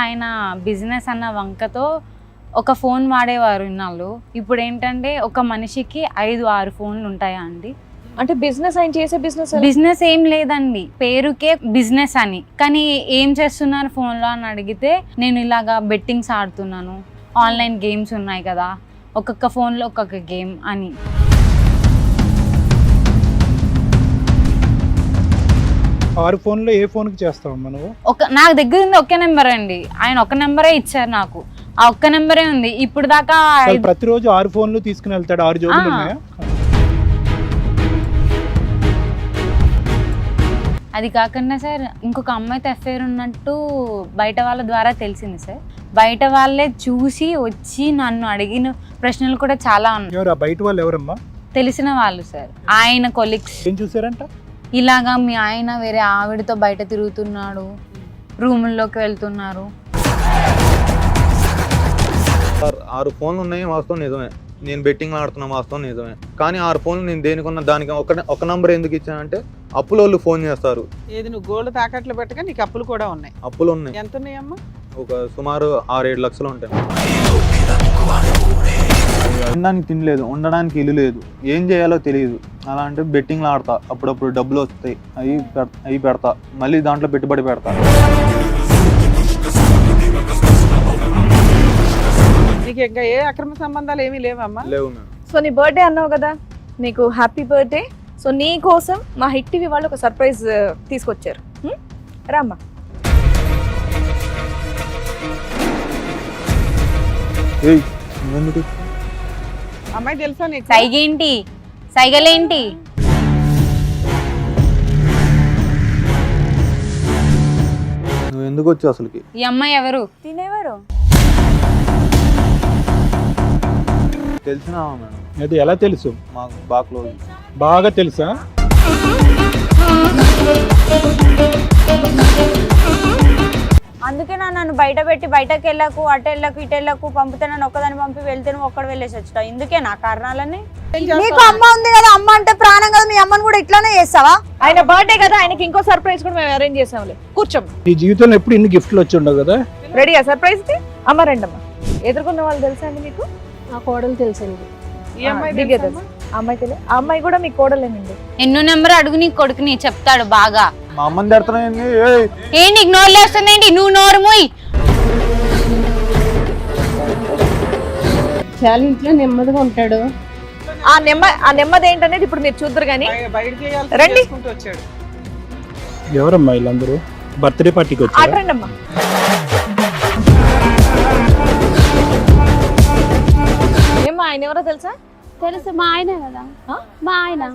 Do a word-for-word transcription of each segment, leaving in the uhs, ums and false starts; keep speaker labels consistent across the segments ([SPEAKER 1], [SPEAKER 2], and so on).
[SPEAKER 1] ఆయన బిజినెస్ అన్న వంకతో ఒక ఫోన్ వాడేవారు ఇన్నాళ్ళు. ఇప్పుడు ఏంటంటే ఒక మనిషికి ఐదు ఆరు ఫోన్లు ఉంటాయా అండి?
[SPEAKER 2] అంటే బిజినెస్ ఆయన చేసే బిజినెస్
[SPEAKER 1] బిజినెస్ ఏం లేదండి, పేరుకే బిజినెస్ అని. కానీ ఏం చేస్తున్నారు ఫోన్లో అని అడిగితే నేను ఇలాగా బెట్టింగ్స్ ఆడుతున్నాను, ఆన్లైన్ గేమ్స్ ఉన్నాయి కదా, ఒక్కొక్క ఫోన్లో ఒక్కొక్క గేమ్ అని.
[SPEAKER 3] ఆరు ఫోన్లో ఏ ఫోన్కి చేస్తావమ్మా నువ్వు?
[SPEAKER 1] ఒక నాకు దగ్గర ఉంది ఒకే నెంబర్ అండి, ఆయన ఒక్క నెంబరే ఇచ్చారు నాకు, ఆ ఒక్క నెంబరే ఉంది ఇప్పుడు దాకా.
[SPEAKER 3] ప్రతిరోజు ఆరు ఫోన్లు తీసుకుని వెళ్తాడు, ఆరు జోబులు ఉన్నాయా?
[SPEAKER 1] అది కాకుండా సార్ ఇంకొక అమ్మాయితో అఫేర్ ఉన్నట్టు బయట వాళ్ళ ద్వారా తెలిసింది సార్. బయట వాళ్ళే చూసి వచ్చి నన్ను అడిగిన ప్రశ్నలు కూడా చాలా ఉన్నాయి.
[SPEAKER 3] ఎవరు బయట వాళ్ళు? ఎవరమ్మా?
[SPEAKER 1] తెలిసిన వాళ్ళు సార్, ఆయన కొలీగ్స్.
[SPEAKER 3] ఏం చూసారంట?
[SPEAKER 1] ఇలాగా మీ ఆయన వేరే ఆవిడతో బయట తిరుగుతున్నాడు, రూముల్లోకి వెళ్తున్నారు.
[SPEAKER 4] సార్ ఆరు ఫోన్లు ఉన్నాయి వాస్తవం నిజమే, నేను బెట్టింగ్ ఆడుతున్నా వాస్తవం నిజమే. కానీ ఆరు ఫోన్లు నేను దేనికున్న దానికి ఒక ఒక నంబర్ ఎందుకు ఇచ్చానంటే అప్పుల వాళ్ళు ఫోన్ చేస్తారు.
[SPEAKER 5] ఏది నువ్వు గోల్డ్ తాకట్లు పెట్టగా నీకు అప్పులు కూడా ఉన్నాయి?
[SPEAKER 4] అప్పులు ఉన్నాయి.
[SPEAKER 5] ఎంత ఉన్నాయమ్మా?
[SPEAKER 4] ఒక సుమారు ఆరు ఏడు లక్షలు ఉంటాయి. తినడానికి తినలేదు, ఉండడానికి ఇల్లు లేదు, ఏం చేయాలో తెలియదు. అలా అంటే బెట్టింగ్లు ఆడతా, అప్పుడప్పుడు డబ్బులు వస్తాయి, అవి అవి పెడతా, మళ్ళీ దాంట్లో పెట్టుబడి పెడతా.
[SPEAKER 5] నీకు ఇంకా ఏ అక్రమ సంబంధాలు ఏమీ లేవమ్మా?
[SPEAKER 4] లేవు మేడం.
[SPEAKER 2] సో నీ బర్త్డే అన్నావు కదా, నీకు హ్యాపీ బర్త్డే. సో నీ కోసం మా హిట్ టీవీ వాళ్ళు ఒక సర్ప్రైజ్ తీసుకొచ్చారు. రామ్మా.
[SPEAKER 4] ఏయ్ నువ్వెందుకు?
[SPEAKER 5] అమ్మాయి తెలుసా నీకు?
[SPEAKER 1] సైగేంటి, సైగలేంటి?
[SPEAKER 4] నువ్వు ఎందుకు వచ్చావు అసలుకి?
[SPEAKER 1] ఈ అమ్మాయి ఎవరు?
[SPEAKER 2] తినేవారు
[SPEAKER 4] తెలిసినావా మేడం?
[SPEAKER 3] అది ఎలా తెలుసు?
[SPEAKER 4] మాకు బాగా క్లోజ్.
[SPEAKER 3] బాగా తెలుసా?
[SPEAKER 6] అందుకే నా నన్ను బయట పెట్టి బయటకు వెళ్ళకు, అటు వెళ్ళకు, ఇటు వెళ్ళకు, పంపితే నన్ను ఒక్కదాన్ని పంపి వెళ్తే నువ్వు ఒక్కడ వెళ్ళేసి వచ్చా. ఇందుకే నా కారణాలని. నీకు అమ్మ ఉంది కదా, అమ్మ అంటే ప్రాణం కదా, మీ అమ్మని కూడా ఇట్లానే చేస్తావా?
[SPEAKER 2] ఆయన బర్త్డే కదా, ఆయనకి ఇంకో సర్ప్రైజ్ కూడా మేము అరేంజ్ చేసాంలే. కూర్చోం.
[SPEAKER 3] నీ జీవితంలో ఎప్పుడు ఇన్ని గిఫ్ట్లు వచ్చి ఉండవు కదా?
[SPEAKER 2] రెడీయా సర్ప్రైజ్ కి? అమ్మ రండి అమ్మా. ఎదుర్కొన్న వాళ్ళు తెలుసా అండి మీకు?
[SPEAKER 6] నా కోడలు తెలుసండి.
[SPEAKER 5] ఈ అమ్మాయి
[SPEAKER 2] దివ్య
[SPEAKER 5] తెలుసా?
[SPEAKER 2] తెలుసు. ఆ అమ్మాయి తెలియదు. ఆ అమ్మాయి కూడా మీ కోడలేనండి.
[SPEAKER 1] ఎన్నో నెంబర్ అడుగు నీ కొడుకుని, చెప్తాడు బాగా.
[SPEAKER 4] మా అమ్మని తిడుతున్నాయండి.
[SPEAKER 1] ఏ నీకు నోరు లేస్తుందేంటి? నువ్వు నోరు మూయి.
[SPEAKER 6] చాలా ఇంట్లో నెమ్మదిగా ఉంటాడు.
[SPEAKER 2] ఆ నెమ్మ ఆ నెమ్మది ఏంటనేది ఇప్పుడు మీరు చూద్దరు కానీ
[SPEAKER 5] బయ- బయటికి
[SPEAKER 2] రండి.
[SPEAKER 5] వెళ్ళాలి చేసుకుంటూ వచ్చాడు.
[SPEAKER 3] ఎవరమ్మా వీళ్ళందరూ? బర్త్డే పార్టీకి వచ్చారు.
[SPEAKER 2] ఆటరండి అమ్మా. ఏమ్మా ఆయన ఎవరో తెలుసా?
[SPEAKER 6] తెలుసు, మా ఆయన కదా.
[SPEAKER 2] ఆ?
[SPEAKER 6] మా ఆయన.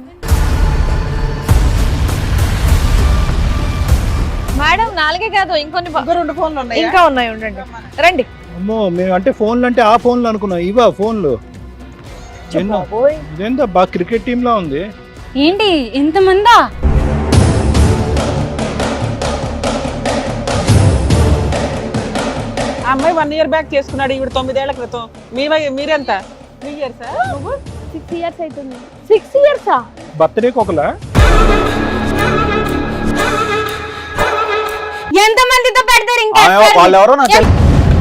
[SPEAKER 2] మేడం నాలుగే కాదు ఇంకొన్ని బ-
[SPEAKER 5] ఇంకా రెండు ఫోన్లు ఉన్నాయి.
[SPEAKER 2] ఇంకా ఉన్నాయి, ఉండండి. రండి.
[SPEAKER 3] అమ్మో, మేము అంటే ఫోన్లు అంటే ఆ ఫోన్లు అనుకున్నాం, ఇవా ఫోన్లు? ఎన్నో.
[SPEAKER 2] ఓయ్.
[SPEAKER 3] ఇదేందా బాగా క్రికెట్ టీమ్ లా ఉంది.
[SPEAKER 1] ఏంటి ఇంతమందా?
[SPEAKER 5] ఆ అమ్మాయి వన్ ఇయర్ బ్యాక్ చేసుకున్నాడు, ఈవిడ తొమ్మిదేళ్ల క్రితం. మీ వయ- మీరెంత? త్రీ ఇయర్స్ నువ్వు?
[SPEAKER 6] సిక్స్ ఇయర్స్ అవుతుంది. సిక్స్ ఇయర్సా?
[SPEAKER 3] బర్త్డేకి ఒకలా?
[SPEAKER 1] ఎంత మందితో పెడతారు ఇంకా?
[SPEAKER 4] వాళ్ళు ఎవరో నాకు తెలు-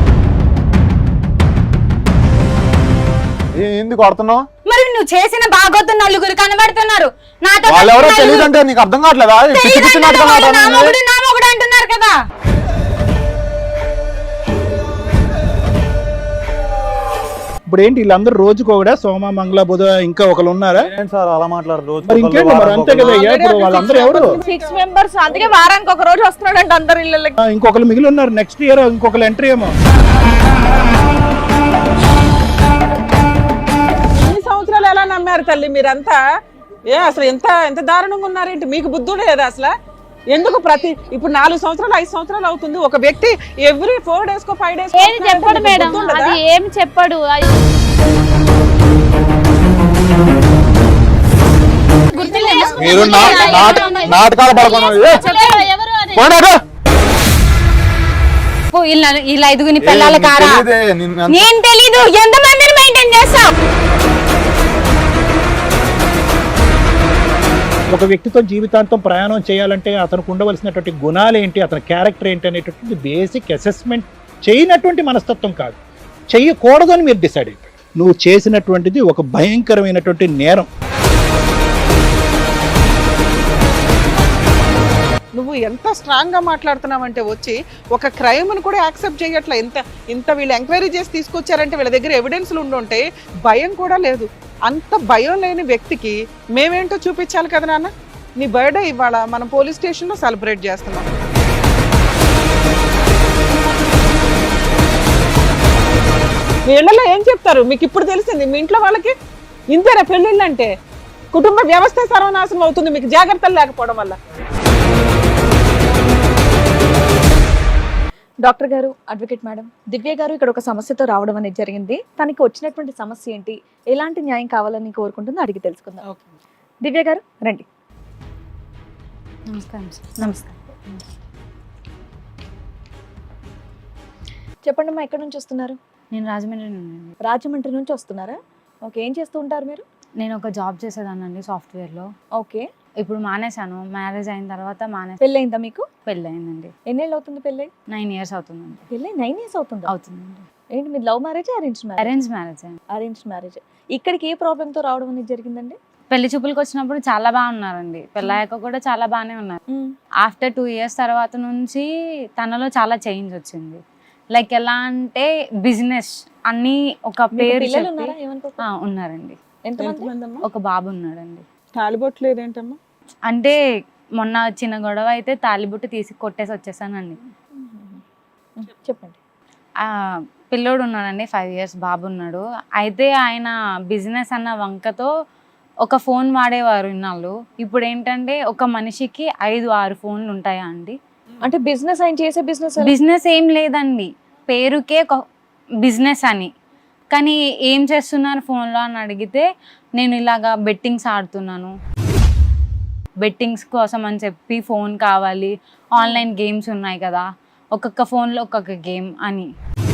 [SPEAKER 4] ఏ- ఎందుకు కొడుతున్నావు?
[SPEAKER 1] మరి నువ్వు చేసిన బాగోతు నలుగురు కనబడుతున్నారు. నాతో
[SPEAKER 4] వాళ్ళు ఎవరో
[SPEAKER 1] నలుగురు
[SPEAKER 4] తెలియదు అంటే నీకు అర్థం కావట్లేదా? పిచ్చి పిచ్చి
[SPEAKER 1] తెలియదంటే
[SPEAKER 4] నాటకాలు
[SPEAKER 1] వాళ్ళు నా
[SPEAKER 4] ఆడుతున్నావు.
[SPEAKER 1] మొగుడు, నా మొగుడు అంటున్నారు కదా.
[SPEAKER 3] ఇప్పుడు ఏంటి వీళ్ళందరూ రోజుకు ఒకడా? సోమ మంగళ బుధ ఇంకా ఒకరు ఉన్నారా?
[SPEAKER 4] ఏంటి సార్ అలా మాట్లాడరు? రోజు
[SPEAKER 3] మరి ఇంకేంటి మరి, అంతే కదా అయ్యా. ఇప్పుడు వాళ్ళందరూ ఎవరు?
[SPEAKER 2] సిక్స్ మెంబర్స్, అందుకే వారానికి ఒక రోజు వస్తున్నాడు అంటే అందరు ఇళ్ళకి.
[SPEAKER 3] ఆ, ఇంకొకరు మిగిలి ఉన్నారు. నెక్స్ట్ ఇయర్ ఇంకొకరు ఎంట్రీ ఏమో.
[SPEAKER 5] ఇన్ని సంవత్సరాలు ఎలా నమ్మారు తల్లి మీరంతా? ఏ అసలు ఎంత ఎంత దారుణంగా ఉన్నారేంటి? మీకు బుద్ధి లేదా అసలు? ఎందుకు ప్రతి ఇప్పుడు నాలుగు సంవత్సరాలు ఐదు సంవత్సరాలు అవుతుంది, ఒక వ్యక్తి ఎవ్రీ ఫోర్ డేస్ కో ఫైవ్ డేస్
[SPEAKER 6] ఏమి చెప్పడు మేడం, అది ఏమి చెప్పడు. అది
[SPEAKER 4] మీరు నా- నాట- నాటకాలు పడుకున్నారు. ఏ,
[SPEAKER 6] చెప్పడు ఎవరు అని.
[SPEAKER 4] పోండి అటు.
[SPEAKER 1] ఓ, ఇలా ఇలా ఐదుగుని
[SPEAKER 4] ఏ,
[SPEAKER 1] పిల్లల
[SPEAKER 4] నీకు
[SPEAKER 1] కారా?
[SPEAKER 4] తెలీదే, నిన్ను ఎంత-
[SPEAKER 1] నేను తెలీదు. ఎంత మందిని మెయింటైన్ చేస్తావు?
[SPEAKER 3] ఒక వ్యక్తితో జీవితాంతం ప్రయాణం చేయాలంటే అతనికి ఉండవలసినటువంటి గుణాలు ఏంటి, అతని క్యారెక్టర్ ఏంటి అనేటటువంటి బేసిక్ అసెస్మెంట్ చేయనటువంటి మనస్తత్వం కాదు, చెయ్యకూడదు అని మీరు డిసైడ్ అయిపోయారు. నువ్వు చేసినటువంటిది ఒక భయంకరమైనటువంటి నేరం.
[SPEAKER 5] నువ్వు ఎంత స్ట్రాంగ్ గా మాట్లాడుతున్నావంటే వచ్చి ఒక క్రైమ్ ని కూడా యాక్సెప్ట్ చేయట్లా. ఇంత ఇంత వీళ్ళు ఎంక్వైరీ చేసి తీసుకొచ్చారంటే వీళ్ళ దగ్గర ఎవిడెన్స్లు ఉండుంటే భయం కూడా లేదు. అంత భయం లేని వ్యక్తికి మేమేంటో చూపించాలి కదా నాన్న. నీ బర్త్డే ఇవాళ మనం పోలీస్ స్టేషన్లో సెలబ్రేట్ చేస్తున్నాం. మీ ఇళ్లలో ఏం చెప్తారు మీకు ఇప్పుడు తెలిసింది? మీ ఇంట్లో వాళ్ళకి ఇంతేనా పెళ్ళిళ్ళు అంటే? కుటుంబ వ్యవస్థ సర్వనాశనం అవుతుంది మీకు జాగ్రత్తలు లేకపోవడం వల్ల.
[SPEAKER 2] డాక్టర్ గారు, అడ్వకేట్ మేడం, దివ్య గారు ఇక్కడ ఒక సమస్యతో రావడం అనేది జరిగింది. తనకి వచ్చినటువంటి సమస్య ఏంటి, ఎలాంటి న్యాయం కావాలని కోరుకుంటుందో అడిగి తెలుసుకుందాం. దివ్య గారు రండి.
[SPEAKER 1] నమస్కారం సార్. నమస్కారం.
[SPEAKER 2] చెప్పండి అమ్మా, ఎక్కడి నుంచి వస్తున్నారు?
[SPEAKER 1] నేను రాజమండ్రి నుండి.
[SPEAKER 2] రాజమండ్రి నుంచి వస్తున్నారా? ఓకే, ఏం చేస్తూ ఉంటారు మీరు?
[SPEAKER 1] నేను ఒక జాబ్ చేసేదానండి సాఫ్ట్వేర్లో.
[SPEAKER 2] ఓకే,
[SPEAKER 1] ఇప్పుడు మానేశాను. మ్యారేజ్ అయిన తర్వాత మానేసి
[SPEAKER 2] పెళ్ళయిందా మీకు?
[SPEAKER 1] పెళ్ళయిందండి.
[SPEAKER 2] ఎన్నేళ్ళు అవుతుంది పెళ్ళై?
[SPEAKER 1] నైన్ ఇయర్స్ అవుతుందండి.
[SPEAKER 2] పెళ్ళై నైన్ ఇయర్స్ అవుతుంది.
[SPEAKER 1] అవుతుందండి.
[SPEAKER 2] ఏంటి మీరు love marriage, arrange marriage?
[SPEAKER 1] Arrange marriage అండి.
[SPEAKER 2] Arrange marriage. ఇక్కడికి ఏ ప్రాబ్లంతో రావడం అనేది జరిగిందండి?
[SPEAKER 1] పెళ్లి చూపులకు వచ్చినప్పుడు చాలా బాగా ఉన్నారండి. పెళ్ళాక కూడా చాలా బాగానే ఉన్నారు. ఆఫ్టర్ టూ ఇయర్స్ తర్వాత నుంచి తనలో చాలా చేంజ్ వచ్చింది. లైక్ ఎలా అంటే బిజినెస్ అన్ని ఒక పేరు
[SPEAKER 2] పిల్లలు ఉన్నారా? ఏమనుకో.
[SPEAKER 1] ఆ, ఉన్నారండి.
[SPEAKER 2] ఎంతమంది?
[SPEAKER 1] ఒక బాబు ఉన్నాడండి.
[SPEAKER 5] తాలిబొట్టు లేదేంటమ్మా?
[SPEAKER 1] అంటే మొన్న చిన్న గొడవ అయితే తాలిబుట్టు తీసి కొట్టేసి వచ్చేసానండి.
[SPEAKER 2] చెప్పండి.
[SPEAKER 1] ఆ పిల్లోడు ఉన్నాడండి, ఫైవ్ ఇయర్స్ బాబు ఉన్నాడు. అయితే ఆయన బిజినెస్ అన్న వంకతో ఒక ఫోన్ వాడేవారు ఇన్నాళ్ళు. ఇప్పుడు ఏంటంటే ఒక మనిషికి ఐదు ఆరు ఫోన్లు ఉంటాయా అండి?
[SPEAKER 2] అంటే బిజినెస్ ఆయన చేసే బిజినెస్
[SPEAKER 1] బిజినెస్ ఏం లేదండి, పేరుకే బిజినెస్ అని. కానీ ఏం చేస్తున్నారు ఫోన్లో అని అడిగితే నేను ఇలాగా బెట్టింగ్స్ ఆడుతున్నాను, బెట్టింగ్స్ కోసం అని చెప్పి ఫోన్ కావాలి, ఆన్లైన్ గేమ్స్ ఉన్నాయి కదా, ఒక్కొక్క ఫోన్లో ఒక్కొక్క గేమ్ అని.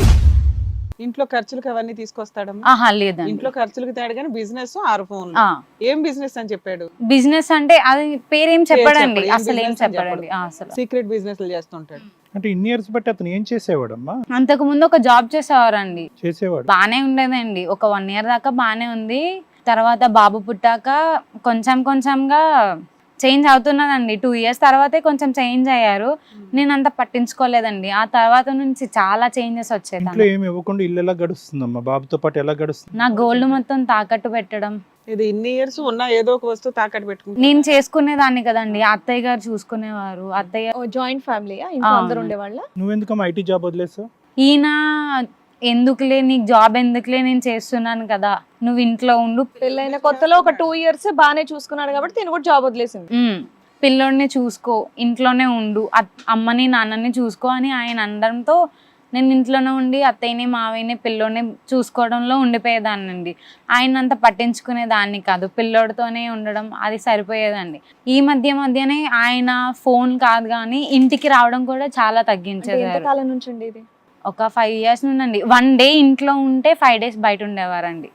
[SPEAKER 5] ఇంట్లో ఖర్చులకు అవన్నీ తీసుకొస్తాడమ్మా?
[SPEAKER 1] ఆహా లేదండి.
[SPEAKER 5] ఇంట్లో ఖర్చులకు తేడు కానీ బిజినెస్ ఆరు ఫోన్లు. ఏం బిజినెస్ అని చెప్పాడు?
[SPEAKER 1] బిజినెస్ అంటే అది పేరేం చెప్పాడండి,
[SPEAKER 5] చెప్పడు. ఏం
[SPEAKER 1] అసలు ఏం
[SPEAKER 5] business అని
[SPEAKER 1] చెప్పాడండి. అసలు
[SPEAKER 5] సీక్రెట్ బిజినెస్ చేస్తుంటాడు.
[SPEAKER 3] అంటే ఇన్ని ఇయర్స్ బట్టి అతను ఏం చేసేవాడమ్మా?
[SPEAKER 1] అంతకు ముందు ఒక జాబ్ చేసేవారండి,
[SPEAKER 3] చేసేవాడు
[SPEAKER 1] బానే ఉండేదండి. ఒక వన్ ఇయర్ దాకా బానే ఉంది. తర్వాత బాబు పుట్టాక కొంచెం కొంచెంగా చేంజ్ అవుతున్నదండి. టూ ఇయర్స్ తర్వాతే కొంచెం చేంజ్ అయ్యారు. నేను అంత పట్టించుకోలేదండి. ఆ తర్వాత నుంచి చాలా చేంజెస్ వచ్చాయి.
[SPEAKER 3] ఇంట్లో ఏమి ఇవ్వకుండా ఇల్లు ఎలా గడుస్తుందమ్మా? బాబుతో పాటు ఎలా గడుస్తుంది?
[SPEAKER 1] నా గోల్డ్ మొత్తం తాకట్టు పెట్టడం.
[SPEAKER 5] ఇది ఇన్ని ఇయర్స్ ఉన్నా ఏదో ఒక వస్తువు తాకట్టు పెట్టుకుంటా.
[SPEAKER 1] నేను చేసుకునేదాన్ని కదండి, అత్తయ్య గారు చూసుకునేవారు. అత్తయ్య
[SPEAKER 2] జాయింట్ ఫ్యామిలీ, ఇంట్లో అందరూ ఉండేవాళ్ళ?
[SPEAKER 3] నువ్వెందుకమ్మా ఐటీ జాబ్ వదిలేసావు?
[SPEAKER 1] ఈయన ఎందుకులే నీకు జాబ్ ఎందుకులే, నేను చేస్తున్నాను కదా, నువ్వు ఇంట్లో ఉండు.
[SPEAKER 2] పెళ్ళైన కొత్తలో ఒక టూ ఇయర్స్ బాగానే చూసుకున్నాడు కాబట్టి నేను కూడా జాబ్ వదిలేసింది.
[SPEAKER 1] ఉమ్, పిల్లోడిని చూసుకో, ఇంట్లోనే ఉండు, అమ్మని నాన్నని చూసుకో అని ఆయన అనడంతో నేను ఇంట్లోనే ఉండి అత్తయ్యని మావయ్యని పిల్లోడిని చూసుకోవడంలో ఉండిపోయేదాన్నండి. ఆయన అంత పట్టించుకునేదాన్ని కాదు, పిల్లోడితోనే ఉండడం అది సరిపోయేదండి. ఈ మధ్య మధ్యనే ఆయన ఫోన్ కాదు కానీ ఇంటికి రావడం కూడా చాలా తగ్గించేదారు.
[SPEAKER 2] కాలం నుంచి అండి ఇది?
[SPEAKER 1] ఒక ఫైవ్ ఇయర్స్ నుండి. వన్ డే ఇంట్లో ఉంటే ఫైవ్ డేస్ బయట ఉండేవారండి.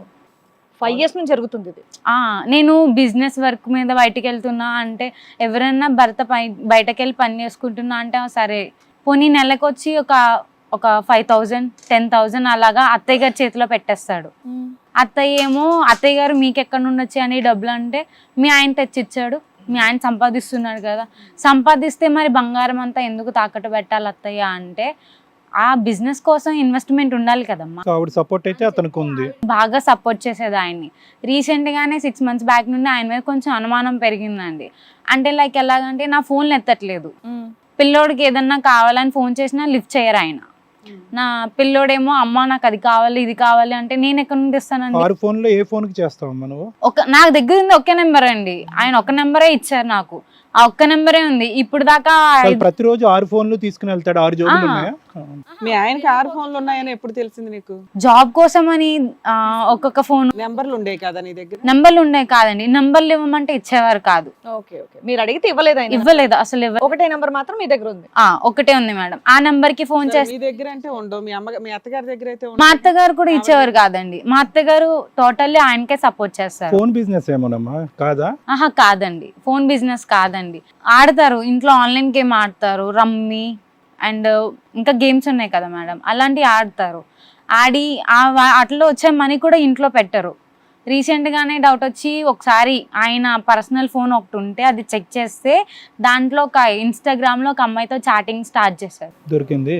[SPEAKER 2] ఫైవ్ ఇయర్స్ నుంచి జరుగుతుంది ఇది.
[SPEAKER 1] నేను బిజినెస్ వర్క్ మీద బయటకు వెళ్తున్నా అంటే ఎవరైనా భర్త బయటకు వెళ్ళి పని చేసుకుంటున్నా అంటే సరే, పోనీ నెలకు వచ్చి ఒక ఒక ఫైవ్ థౌజండ్ టెన్ థౌజండ్ అలాగా అత్తయ్య గారి చేతిలో పెట్టేస్తాడు. అత్తయ్య ఏమో అత్తయ్య గారు మీకు ఎక్కడి నుండి వచ్చాయి అని డబ్బులు అంటే మీ ఆయన తెచ్చిచ్చాడు, మీ ఆయన సంపాదిస్తున్నాడు కదా, సంపాదిస్తే మరి బంగారం అంతా ఎందుకు తాకట్టు పెట్టాలి అత్తయ్య అంటే ఆ బిజినెస్ కోసం ఇన్వెస్ట్మెంట్ ఉండాలి కదమ్మా.
[SPEAKER 3] ఆవిడ సపోర్ట్ అయితే అతనికి ఉంది,
[SPEAKER 1] బాగా సపోర్ట్ చేసేది ఆయన్ని. రీసెంట్ గానే సిక్స్ మంత్స్ బ్యాక్ నుండి ఆయన మీద కొంచెం అనుమానం పెరిగిందండి. అంటే లైక్ ఎలాగంటే నా ఫోన్లు ఎత్తట్లేదు, పిల్లోడికి ఏదన్నా కావాలని ఫోన్ చేసినా లిఫ్ట్ చేయరు ఆయన. నా పిల్లోడేమో అమ్మ నాకు అది కావాలి ఇది కావాలి అంటే నేను ఎక్కడి నుండి ఇస్తానండి?
[SPEAKER 3] ఆరు ఫోన్ లో ఏ ఫోన్ కి చేస్తావమ్మా నువ్వు?
[SPEAKER 1] ఒక నా దగ్గర ఉంది ఒకే నెంబర్ అండి, ఆయన ఒక నెంబరే ఇచ్చారు నాకు, ఆ ఒక్క నెంబరే ఉంది ఇప్పుడు దాకా.
[SPEAKER 3] ప్రతిరోజు ఆరు ఫోన్లు తీసుకుని వెళ్తాడు, ఆరు జోబులు ఉన్నాయా?
[SPEAKER 5] మీ ఆయనకి ఆరు ఫోన్లు ఉన్నాయని ఎప్పుడు తెలిసింది నీకు?
[SPEAKER 1] జాబ్ కోసం అని ఒక్కొక్క ఫోన్
[SPEAKER 5] నెంబర్లు ఉండే కదా నీ దగ్గర?
[SPEAKER 1] నెంబర్లు ఉండే కాదండి, నెంబర్లు ఇవ్వమంటే ఇచ్చేవారు కాదు.
[SPEAKER 2] ఓకే ఓకే, మీరు అడిగితే ఇవ్వలేదు?
[SPEAKER 1] ఇవ్వలేదు అసలు.
[SPEAKER 2] ఒకటే నెంబర్ మాత్రం మీ దగ్గర ఉంది?
[SPEAKER 1] ఆ ఒకటే ఉంది మేడం. ఆ నెంబర్ కి ఫోన్ చేసి
[SPEAKER 5] మీ దగ్గర అంటే ఉండవు, మీ అమ్మ మీ అత్తగారి దగ్గర అయితే
[SPEAKER 1] మా అత్తగారు కూడా ఇచ్చేవారు కాదండి. మా అత్తగారు టోటల్లీ ఆయనకే సపోర్ట్ చేస్తారు.
[SPEAKER 3] ఫోన్ బిజినెస్ ఏమోనమ్మా? కాదా?
[SPEAKER 1] ఆహా కాదండి, ఫోన్ బిజినెస్ కాదండి. ఆడతారు ఇంట్లో, ఆన్లైన్ గేమ్ ఆడతారు, రమ్మి అండ్ ఇంకా గేమ్స్ ఉన్నాయి కదా మేడం, అలాంటివి ఆడతారు. ఆడి ఆ వా- అట్లా వచ్చే మనీ కూడా ఇంట్లో పెట్టరు. రీసెంట్గానే డౌట్ వచ్చి ఒకసారి ఆయన పర్సనల్ ఫోన్ ఒకటి ఉంటే అది చెక్ చేస్తే దాంట్లో ఒక ఇన్స్టాగ్రామ్లో ఒక అమ్మాయితో చాటింగ్ స్టార్ట్ చేశారు.
[SPEAKER 3] దొరికింది.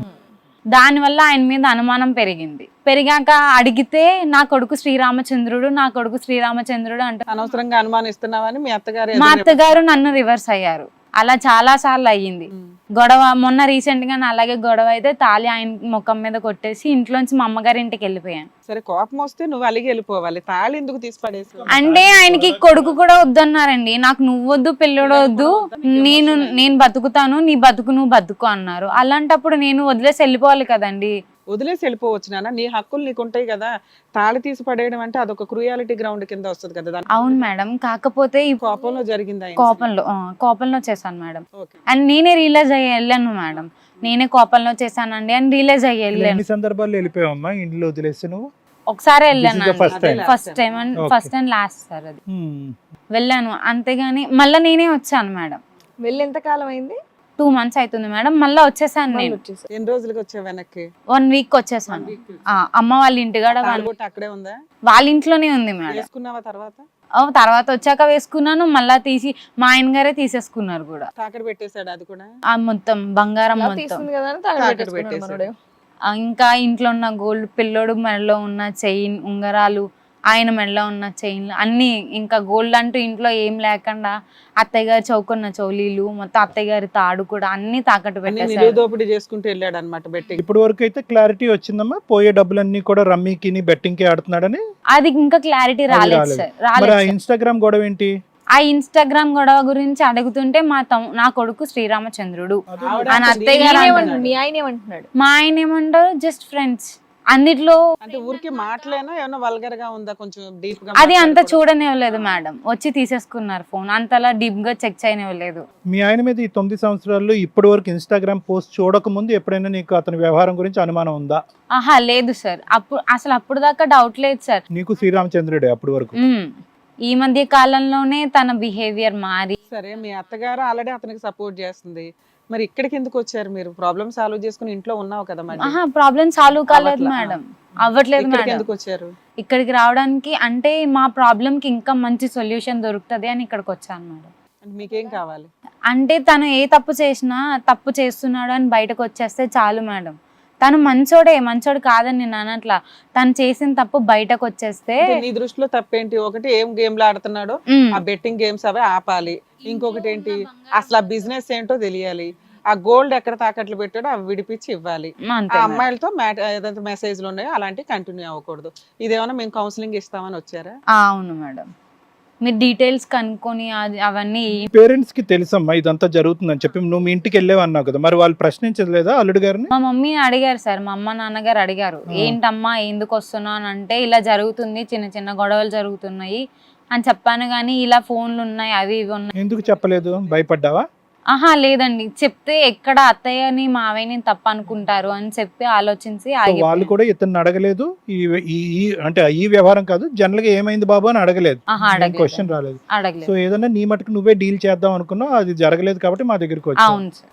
[SPEAKER 1] దానివల్ల ఆయన మీద అనుమానం పెరిగింది. పెరిగాక అడిగితే నా కొడుకు శ్రీరామచంద్రుడు నా కొడుకు శ్రీరామచంద్రుడు అంటే
[SPEAKER 5] అనవసరంగా అనుమానిస్తున్నావని మీ అత్తగారు
[SPEAKER 1] మా
[SPEAKER 5] ఎదురు
[SPEAKER 1] అత్తగారు నన్ను రివర్స్ అయ్యారు. అలా చాలా సార్లు అయ్యింది
[SPEAKER 5] ఉమ్.
[SPEAKER 1] గొడవ. మొన్న రీసెంట్ గా అలాగే గొడవ అయితే తాళి ఆయన ముఖం మీద కొట్టేసి ఇంట్లోంచి మా అమ్మగారి ఇంటికి వెళ్ళిపోయాను.
[SPEAKER 5] సరే కోపం వస్తే నువ్వు అలిగి వెళ్ళిపోవాలి, తాళి ఎందుకు తీసి పడేసి
[SPEAKER 1] అంటే ఆయనకి కొడుకు కూడా వద్దన్నారండి. నాకు నువ్వు వద్దు పిల్లడు వద్దు, నేను నేను బతుకుతాను నీ బతుకు నువ్వు బతుకు అన్నారు. అలాంటప్పుడు నేను వదిలేసి వెళ్ళిపోవాలి కదండి.
[SPEAKER 5] వదిలేసి వెళ్ళిపోవచ్చు నాన్న, నీ హక్కులు నీకు ఉంటాయి కదా. తాళి తీసి పడేయడం అంటే అదొక క్రూయాలిటీ గ్రౌండ్ కింద వస్తుంది కదా. దాని
[SPEAKER 1] అవును మేడం, కాకపోతే ఈ
[SPEAKER 5] కోపంలో జరిగిందా?
[SPEAKER 1] కోపంలో ఆ, కోపంలో చేశాను మేడం.
[SPEAKER 5] ఓకే.
[SPEAKER 1] అండ్ నేనే రియలైజ్ అయ్యి వెళ్ళాను మేడం. నేనే కోపంలో చేశానండి అని రియలైజ్ అయ్యి వెళ్ళాను.
[SPEAKER 3] ఎన్ని సందర్భాల్లో వెళ్ళిపోయావమ్మా ఇంట్లో వదిలేసి నువ్వు?
[SPEAKER 1] ఒకసారి వెళ్ళాను
[SPEAKER 3] This is the first time.
[SPEAKER 1] First time and
[SPEAKER 3] Okay.
[SPEAKER 1] First and last sir అది
[SPEAKER 3] Hmm.
[SPEAKER 1] వెళ్ళాను. అంతేగాని మళ్ళీ నేనే వచ్చాను మేడం.
[SPEAKER 2] వెళ్ళి ఎంత కాలం అయింది?
[SPEAKER 1] టూ మంత్స్ అవుతుంది మేడం. మళ్ళీ వచ్చేసాను
[SPEAKER 2] మళ్ళీ
[SPEAKER 1] నేను.
[SPEAKER 2] వచ్చేసారు.
[SPEAKER 5] ఎన్ని రోజులకి వచ్చావు వెనక్కి?
[SPEAKER 1] వన్ వీక్ వచ్చేసాను. ఆ, అమ్మ వాళ్ళ ఇంటికాడ
[SPEAKER 5] తాళి
[SPEAKER 1] వాళ్ళ-
[SPEAKER 5] బొట్టు అక్కడే ఉందా?
[SPEAKER 1] వాళ్ళ ఇంట్లోనే ఉంది మేడం.
[SPEAKER 5] వేసుకున్నావా తర్వాత?
[SPEAKER 1] ఓ, తర్వాత వచ్చాక వేసుకున్నాను, మళ్ళా తీసి మా ఆయన గారే తీసేసుకున్నారు కూడా.
[SPEAKER 5] తాకడ పెట్టేశాడు అది కూడా?
[SPEAKER 1] ఆ మొత్తం బంగారం
[SPEAKER 2] ఇలా
[SPEAKER 1] మొత్తం.
[SPEAKER 2] తీస్తుంది కదా అని తాకట్టు
[SPEAKER 5] తాకట్టు
[SPEAKER 2] పెట్టేసుకున్నాడు
[SPEAKER 5] పెట్టేశాడు.
[SPEAKER 2] మనోడు.
[SPEAKER 1] ఆ, ఇంకా ఇంట్లో ఉన్న గోల్డ్, పిల్లోడు మెడలో ఉన్న చైన్ ఉంగరాలు, ఆయన మెడలో ఉన్న చైన్లు అన్ని, ఇంకా గోల్డ్ అంటూ ఇంట్లో ఏం లేకుండా అత్తయ్య గారు చౌకున్న చౌలీలు మొత్తం, అత్తయ్య గారి తాడు కూడా అన్ని తాకట్టు
[SPEAKER 5] అన్ని
[SPEAKER 1] పెట్టేశారు.
[SPEAKER 5] నిలువ దోపిడీ చేసుకుంటూ వెళ్ళాడు అనమాట బెట్టింగ్.
[SPEAKER 3] ఇప్పటి వరకు అయితే క్లారిటీ వచ్చిందమ్మా, పోయే డబ్బులన్నీ కూడా రమ్మీకి బెట్టింగ్ కి ఆడుతున్నాడని.
[SPEAKER 1] అది ఇంకా క్లారిటీ
[SPEAKER 3] అది
[SPEAKER 1] రాలేదు
[SPEAKER 3] రాలేదు.
[SPEAKER 1] సార్,
[SPEAKER 3] మరి
[SPEAKER 1] రాలేదు
[SPEAKER 3] ఆ
[SPEAKER 1] సార్.
[SPEAKER 3] ఇన్స్టాగ్రామ్ గొడవ ఏంటి?
[SPEAKER 1] ఆ ఇన్స్టాగ్రామ్ గొడవ గురించి అడుగుతుంటే మా తమ్ నా కొడుకు శ్రీరామచంద్రుడు
[SPEAKER 5] ఆవిడ
[SPEAKER 1] అని
[SPEAKER 5] అంటుంది,
[SPEAKER 1] అత్తయ్య
[SPEAKER 2] ఈయన
[SPEAKER 1] గారు
[SPEAKER 2] ఏమంటున్నాడు?
[SPEAKER 1] అంటున్నాడు.
[SPEAKER 2] మీ ఆయన ఏమంటున్నాడు?
[SPEAKER 1] మా ఆయన ఏమంటారు, జస్ట్ ఫ్రెండ్స్ అన్నిట్లో.
[SPEAKER 5] అంటే ఊరికి మాటలేనా ఏమన్నా వల్గర్ గా ఉందా? కొంచెం డీప్ గా
[SPEAKER 1] అది అంత
[SPEAKER 5] మాట్లాడకూడదు.
[SPEAKER 1] చూడనివ్వలేదు మేడం. వచ్చి తీసేసుకున్నారు ఫోన్, అంతలా డీప్ గా చెక్ చేయనివ్వలేదు.
[SPEAKER 3] మీ ఆయన మీద ఈ తొమ్మిది సంవత్సరాల్లో ఇప్పటి వరకు ఇన్స్టాగ్రామ్ పోస్ట్ చూడక ముందు ఎప్పుడైనా నీకు అతని వ్యవహారం గురించి అనుమానం ఉందా?
[SPEAKER 1] ఆహా లేదు సార్, అప్పుడు అసలు అప్పుడు దాకా డౌట్ లేదు సార్.
[SPEAKER 3] నీకు శ్రీరామచంద్రుడే అప్పటి వరకు.
[SPEAKER 1] ఉమ్. ఈ మధ్య కాలంలోనే తన బిహేవియర్ మారి.
[SPEAKER 5] సరే మీ అత్తగారు ఆల్రెడీ అతనికి సపోర్ట్ చేస్తుంది, మరి ఇక్కడికి ఎందుకు వచ్చారు మీరు? ప్రాబ్లమ్ సాల్వ్ చేసుకుని ఇంట్లో ఉన్నావు కదా మరి.
[SPEAKER 1] ఆహా ప్రాబ్లం సాల్వ్ కాలేదు
[SPEAKER 5] అవ్వట్లా.
[SPEAKER 1] మేడం, అవ్వట్లేదు
[SPEAKER 5] ఇక్కడికి
[SPEAKER 1] మేడం.
[SPEAKER 5] ఎందుకు వచ్చారు?
[SPEAKER 1] ఇక్కడికి రావడానికి అంటే మా ప్రాబ్లం కి ఇంకా మంచి సొల్యూషన్ దొరుకుతుంది అని ఇక్కడికి వచ్చాను మేడం.
[SPEAKER 5] అంటే మీకేం కావాలి?
[SPEAKER 1] అంటే తను ఏ తప్పు చేసినా తప్పు చేస్తున్నాడు అని బయటకు వచ్చేస్తే చాలు మేడం. తను మంచోడే, మంచోడు కాదని నేను అనట్లా. తను చేసిన తప్పు బయటకు వచ్చేస్తే
[SPEAKER 5] అంటే నీ దృష్టిలో తప్పేంటి? ఒకటి ఏం గేమ్లు ఆడుతున్నాడో
[SPEAKER 1] ఉమ్,
[SPEAKER 5] ఆ బెట్టింగ్ గేమ్స్ అవే ఆపాలి. ఇంకొకటి ఏంటి, అసలు ఆ బిజినెస్ ఏంటో తెలియాలి. ఆ గోల్డ్ ఎక్కడ తాకట్లు పెట్టాడో అవి విడిపించి ఇవ్వాలి. ఆ
[SPEAKER 1] అంతే మేడం.
[SPEAKER 5] అమ్మాయిలతో మ్యాట్ ఏదైతే మెసేజ్లు ఉన్నాయో అలాంటివి కంటిన్యూ అవ్వకూడదు. ఇదేమన్నా మేము కౌన్సిలింగ్ ఇస్తామని వచ్చారా?
[SPEAKER 1] ఆ, అవును మేడం. మీరు డీటెయిల్స్ కనుక్కొని అది అవన్నీ.
[SPEAKER 3] పేరెంట్స్ కి తెలుసమ్మా ఇదంతా జరుగుతుందని చెప్పి నువ్వు మీ ఇంటికి వెళ్ళేవి అన్నావు కదా, మరి వాళ్ళు ప్రశ్నించలేదా అల్లుడు గారిని?
[SPEAKER 1] మా మమ్మీ అడిగారు సార్, మా అమ్మ నాన్నగారు అడిగారు,
[SPEAKER 3] ఆ.
[SPEAKER 1] ఏంటమ్మా ఎందుకు వస్తున్నావు అని అంటే, ఇలా జరుగుతుంది, చిన్న చిన్న గొడవలు జరుగుతున్నాయి అని చెప్పాను. కానీ ఇలా ఫోన్లు ఉన్నాయి అవి ఇవి ఉన్నాయి.
[SPEAKER 3] ఎందుకు చెప్పలేదు? భయపడ్డావా?
[SPEAKER 1] ఆహా లేదండి, చెప్తే ఎక్కడ అత్తయ్యని మావయ్యని తప్పు అనుకుంటారు అని చెప్పి ఆలోచించి
[SPEAKER 3] సో వాళ్ళు
[SPEAKER 1] ఆగిపోయాను.
[SPEAKER 3] కూడా ఇతన్ని అడగలేదు ఈ ఈ- ఈ అంటే ఈ వ్యవహారం కాదు, జనరల్ గా ఏమైంది బాబు అని అడగలేదు.
[SPEAKER 1] ఆహా అడగలేదు.
[SPEAKER 3] క్వశ్చన్ రాలేదు. సో
[SPEAKER 1] అడగలేదు.
[SPEAKER 3] ఏదన్నా నీ మటుకు నువ్వే డీల్ చేద్దాం అనుకున్నావు, అది జరగలేదు కాబట్టి మా దగ్గరికి వచ్చావు.
[SPEAKER 1] అవును సార్.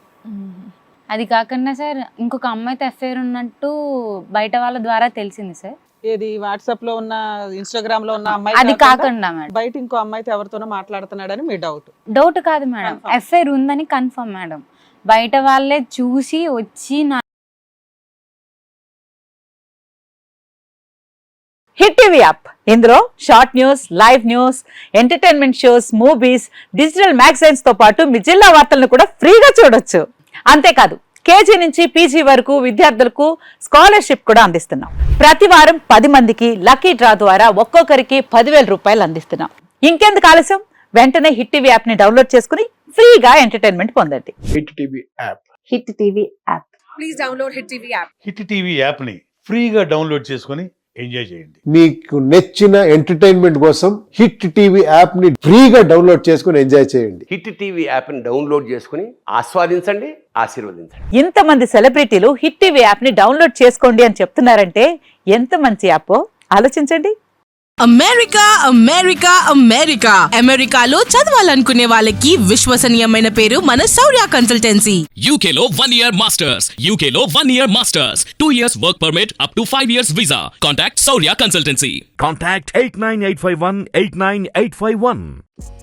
[SPEAKER 1] అది కాకుండా సార్ ఇంకొక అమ్మాయితో అఫేర్ ఉన్నట్టు బయట వాళ్ళ ద్వారా తెలిసింది సార్.
[SPEAKER 5] ఏది వాట్సాప్ లో ఉన్న, ఇన్స్టాగ్రామ్ లో ఉన్న అమ్మాయి
[SPEAKER 1] అది
[SPEAKER 5] కాకుండా
[SPEAKER 1] కాకుండా మేడం,
[SPEAKER 5] బయట ఇంకో అమ్మాయితో ఎవరితోనో మాట్లాడుతున్నాడని మీ డౌట్?
[SPEAKER 1] డౌట్ కాదు మేడం,
[SPEAKER 5] Confirm.
[SPEAKER 1] అఫేర్ ఉందని కన్ఫర్మ్ మేడం. బయట వాళ్ళే చూసి వచ్చి నా
[SPEAKER 7] హిట్ టీవీ యాప్, ఇందులో short news, live news, entertainment shows, movies, digital magazines తో పాటు మీ జిల్లా వార్తలను కూడా ఫ్రీగా చూడొచ్చు. అంతేకాదు కేజీ నుంచి పీజీ వరకు విద్యార్థులకు స్కాలర్షిప్ కూడా అందిస్తున్నాం. ప్రతి వారం పది మందికి లక్కీ డ్రా ద్వారా ఒక్కొక్కరికి పదివేల రూపాయలు అందిస్తున్నాం. ఇంకెందుకు ఆలస్యం, వెంటనే హిట్ టీవీ యాప్ ని డౌన్లోడ్ చేసుకుని ఫ్రీగా ఎంటర్టైన్మెంట్ పొందండి.
[SPEAKER 8] Hit TV app.
[SPEAKER 7] Hit TV app.
[SPEAKER 8] Hit TV యాప్ని ఫ్రీగా డౌన్లోడ్ చేసుకొని ఎంజాయ్ చేయండి.
[SPEAKER 9] మీకు నచ్చిన ఎంటర్టైన్మెంట్ కోసం హిట్ టీవీ యాప్ ని ఫ్రీగా డౌన్లోడ్ చేసుకుని ఎంజాయ్ చేయండి.
[SPEAKER 10] హిట్ టీవీ యాప్ని డౌన్లోడ్ చేసుకుని ఆస్వాదించండి, ఆశీర్వదించండి.
[SPEAKER 7] ఇంతమంది సెలబ్రిటీలు హిట్ టీవీ యాప్ ని డౌన్లోడ్ చేసుకోండి అని చెప్తున్నారంటే ఎంత మంచి యాప్ ఆలోచించండి.
[SPEAKER 11] అమెరికా అమెరికా అమెరికా అమెరికాలో చదవాలనుకునే వాళ్ళకి విశ్వసనీయమైన పేరు మన శౌర్య కన్సల్టెన్సీ.
[SPEAKER 12] యూకేలో వన్ ఇయర్ మాస్టర్స్ యూకేలో one year masters two years work permit up to five years visa. Contact Shaurya consultancy.
[SPEAKER 13] Contact eight nine eight five one eight nine eight five one.